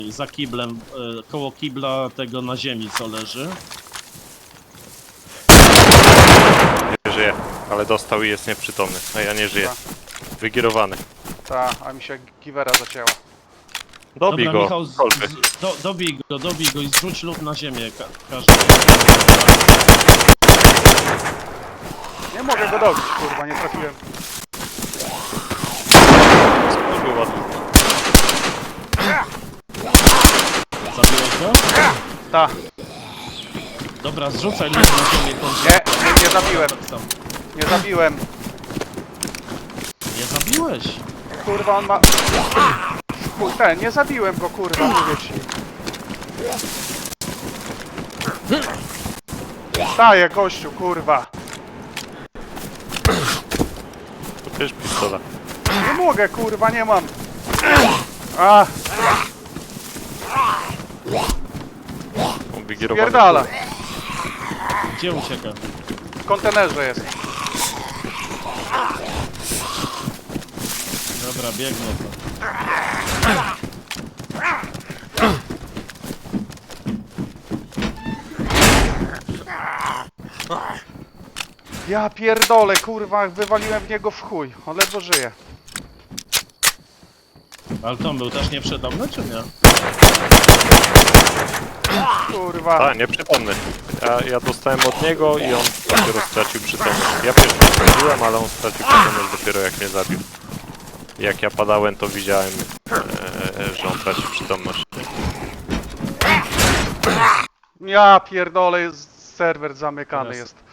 za kiblem, koło kibla tego na ziemi co leży. Nie żyje, ale dostał i jest nieprzytomny, a ja nie żyję. Wygierowany. Ta, a mi się giwera zacięła. Dobij Dobra, go, Michał, kolby. dobij go i zrzuć lód na ziemię, każdy. Nie mogę go dobić, kurwa, nie trafiłem. Był ładny. Zabiłeś go? Ta, Dobra, zrzucaj lód na ziemię. nie zabiłem, Tak samo. nie zabiłem. Nie zabiłeś? Kurwa, on ma... Chuj, nie zabiłem go, kurwa, mówię ci. Staję, gościu, kurwa. To też pistola. Nie mogę, kurwa, nie mam. A, On wygierowany. pierdala. Gdzie ucieka? W kontenerze jest. Dobra, biegnę to. Ja pierdolę, kurwa, wywaliłem w niego w chuj. On ledwo żyje. Ale to był też nieprzytomny, czy nie? Kurwa. Tak, nieprzytomny. Ja dostałem od niego i on dopiero stracił przytomność. Ja pierwszy straciłem, ale on stracił przytomność dopiero jak mnie zabił. Jak ja padałem, to widziałem, że on traci przytomność. Ja pierdolę, serwer zamykany Teraz. jest.